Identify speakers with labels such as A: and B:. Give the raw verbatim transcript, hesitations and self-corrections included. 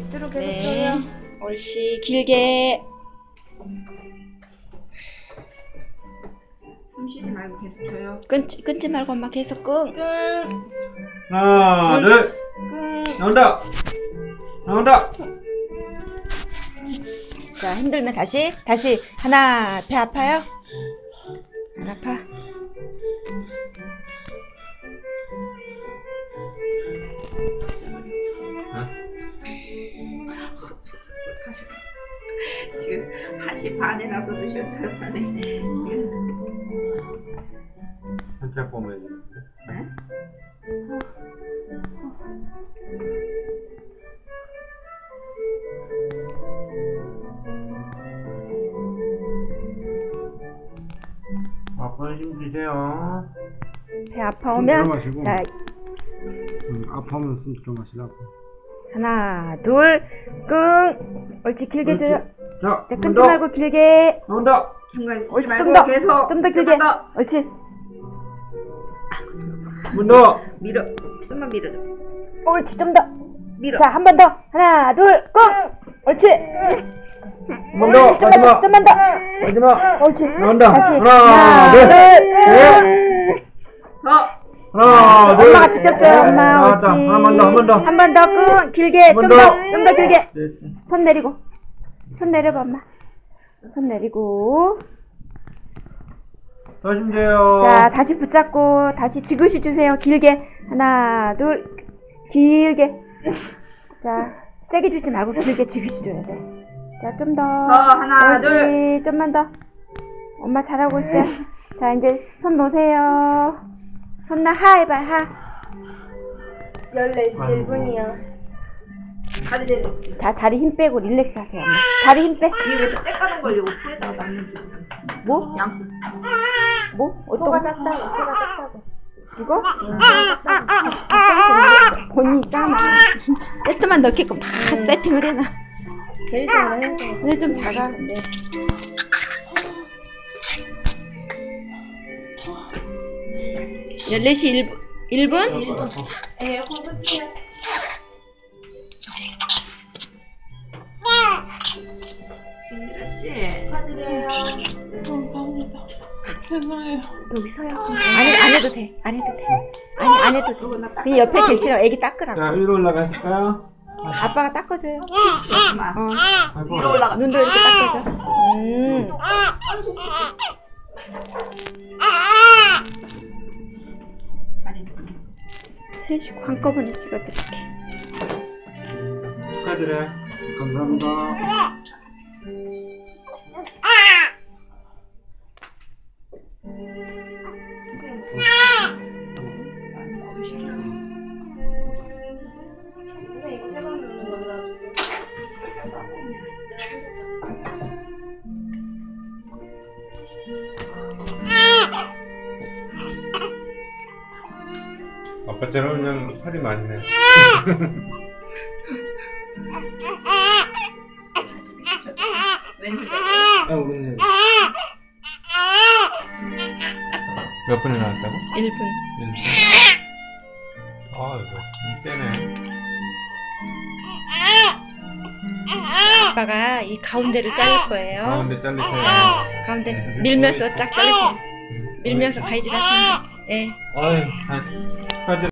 A: 밑으로 계속
B: 네.
A: 줘요.
B: 옳지. 길게.
A: 숨 쉬지 말고 계속 줘요.
B: 끊지, 끊지 말고 엄마 계속 끙.
A: 끙.
C: 하나,
B: 응.
C: 둘,
A: 끙.
C: 나온다. 나온다.
B: 자, 힘들면 다시. 다시. 하나, 배 아파요? 안 아파?
A: 다시 지금 한 시 반에 나서도 쉬었잖아요.
C: 한짝 보면
A: 네?
C: 아빠 힘 주세요.
B: 배 아파오면.
D: 들어마시고.
B: 자,
D: 음, 아파하면 숨 들어마시라고.
B: 하나, 둘, 끙. 옳지. 길게
C: 옳지.
B: 줘요.
C: 자,
B: 자,
C: 한
B: 끊지
C: 번 더.
B: 말고 길게.
C: 나온다.
A: 중간에 쉬지
B: 옳지.
A: 말고
B: 좀 더.
A: 계속
B: 좀 더 길게.
A: 좀만 더.
B: 옳지.
C: 한 번 더.
A: 밀어. 좀만 밀어줘.
B: 옳지. 좀 더.
A: 밀어.
B: 자, 한 번 더. 하나, 둘, 끙. 옳지.
C: 한 번 더.
B: 옳지. 좀만 더.
C: 마지막.
B: 좀만 더.
C: 마지막.
B: 옳지.
C: 나온다.
B: 다시.
C: 하나,
B: 하나,
C: 둘,
B: 둘,
C: 셋.
A: 더.
C: 하나, 둘.
B: 엄마가 직접 줘요. 엄마.
C: 나왔다.
B: 옳지.
C: 한 번 더. 한 번 더.
B: 한 번 더. 끙. 길게.
C: 한
B: 좀
C: 번
B: 더.
C: 더.
B: 좀 더 길게.
C: 네.
B: 손 내리고. 손 내려봐, 엄마. 손 내리고.
C: 더 힘줘요.
B: 자, 다시 붙잡고 다시 지그시 주세요. 길게. 하나, 둘. 길게. 자, 세게 주지 말고 길게 지그시 줘야 돼. 자, 좀 더.
A: 더, 하나,
B: 옳지.
A: 둘.
B: 좀만 더. 엄마 잘하고 있어요. 자, 이제 손 놓으세요. 손 나, 하 해봐, 하.
A: 열네 시 일 분이요. 다리 내려.
B: 다, 다리 힘 빼고 릴렉스 하세요, 엄마. 다리 힘 빼.
A: 이게 왜 쬐까는 걸 옷에다가 맞는 줄 모르겠어.
B: 뭐?
A: 양.
B: 뭐? 어떤
A: 코가
B: 거?
A: 작다고. 코가 작다고.
B: 이거? 본인이 싸나. 세트만 넣겠고 다 세팅을 해놔.
A: 제일 좋아요.
B: 근데 좀 작아, 근데. 열네 시 일 분? 일 분?
A: 에 호흡이야. 힘들었지? 축하드려요.
B: 여기 서요. 안, 해, 안 해도 돼. 안 해도 돼. 아니, 안 해도 돼. 그냥 옆에 계시라고 애기 닦으라고.
C: 자, 위로 올라가실까요?
B: 아빠가 닦아줘요.
A: 엄마.
B: 어.
C: 아이고.
A: 위로 올라가.
B: 눈도 이렇게 닦아줘. 음. 셋이 한꺼번에 찍어드릴게.
C: 축하드려요.
D: 감사합니다.
C: 아빠처럼 그냥 팔이 많네.
A: 왼손.
D: 아, 오늘
C: 몇 분에 나왔다고?
B: 일 분.
C: 일 분. 아, 이거 이때네.
B: 아빠가 이 가운데를 자를 거예요.
C: 가운데 잘리세요.
B: 가운데 밀면서 쫙 자르세요. 밀면서 가위질 하시면 돼. 네.
C: 아유, 다 축하드려요.